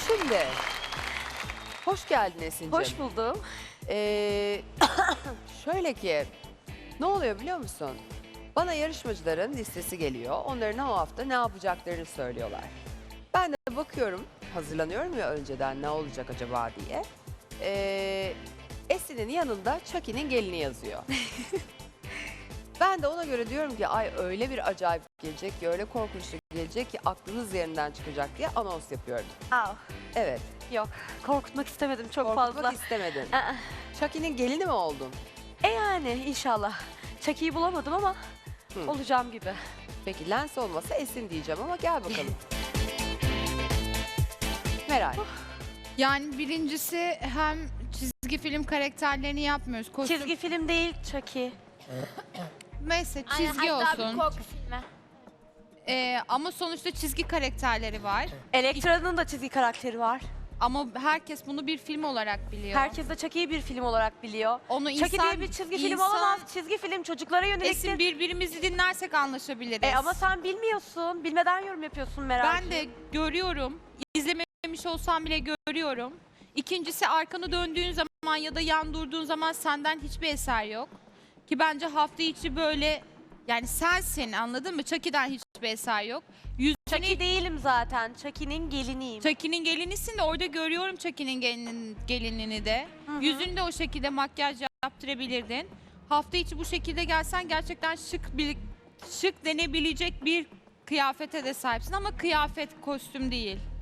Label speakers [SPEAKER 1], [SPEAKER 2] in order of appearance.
[SPEAKER 1] Şimdi, hoş geldin Esin'cim.
[SPEAKER 2] Hoş buldum.
[SPEAKER 1] Şöyle ki, ne oluyor biliyor musun? Bana yarışmacıların listesi geliyor. Onların o hafta ne yapacaklarını söylüyorlar. Ben de bakıyorum, hazırlanıyorum ya önceden ne olacak acaba diye. Esin'in yanında Chucky'nin gelini yazıyor. Ben de ona göre diyorum ki ay öyle bir acayip gelecek ki, öyle korkunçlu gelecek ki aklınız yerinden çıkacak diye anons yapıyorum.
[SPEAKER 2] Aa,
[SPEAKER 1] Evet,
[SPEAKER 2] yok, korkutmak istemedim çok
[SPEAKER 1] korkutmak
[SPEAKER 2] fazla.
[SPEAKER 1] istemedin.
[SPEAKER 2] Aa,
[SPEAKER 1] Chucky'nin gelini mi oldun?
[SPEAKER 2] yani inşallah. Chucky'yi bulamadım ama
[SPEAKER 1] Hı.
[SPEAKER 2] olacağım gibi.
[SPEAKER 1] Peki Lens olmasa Esin diyeceğim ama gel bakalım. Meral.
[SPEAKER 3] Yani birincisi hem çizgi film karakterlerini yapmıyoruz. Kostüm,
[SPEAKER 2] Çizgi film değil Chucky.
[SPEAKER 3] neyse
[SPEAKER 4] Aynen,
[SPEAKER 3] çizgi
[SPEAKER 4] hatta
[SPEAKER 3] olsun.
[SPEAKER 4] bir korku filmi.
[SPEAKER 3] Ama sonuçta çizgi karakterleri var.
[SPEAKER 2] Elektra'nın da çizgi karakteri var.
[SPEAKER 3] Ama herkes bunu bir film olarak biliyor.
[SPEAKER 2] Herkes de Chucky'yi bir film olarak biliyor.
[SPEAKER 3] Onu
[SPEAKER 2] Chucky diye bir çizgi film olamaz. Çizgi film çocuklara yöneliktir.
[SPEAKER 3] Esin birbirimizi dinlersek anlaşabiliriz.
[SPEAKER 2] Ama sen bilmiyorsun. Bilmeden yorum yapıyorsun Meral.
[SPEAKER 3] Ben de görüyorum. İzlememiş olsam bile görüyorum. İkincisi arkanı döndüğün zaman ya da yan durduğun zaman senden hiçbir eser yok. Ki bence hafta içi böyle yani sensin, anladın mı? Chucky'den hiçbir eser yok.
[SPEAKER 2] Chucky değilim zaten. Chucky'nin geliniyim.
[SPEAKER 3] Chucky'nin gelinisin de orada görüyorum Chucky'nin gelinini de.
[SPEAKER 2] Hı.
[SPEAKER 3] Yüzünü de o şekilde makyaj yaptırabilirdin. Hafta içi bu şekilde gelsen gerçekten şık denebilecek bir kıyafete de sahipsin ama kıyafet, kostüm değil.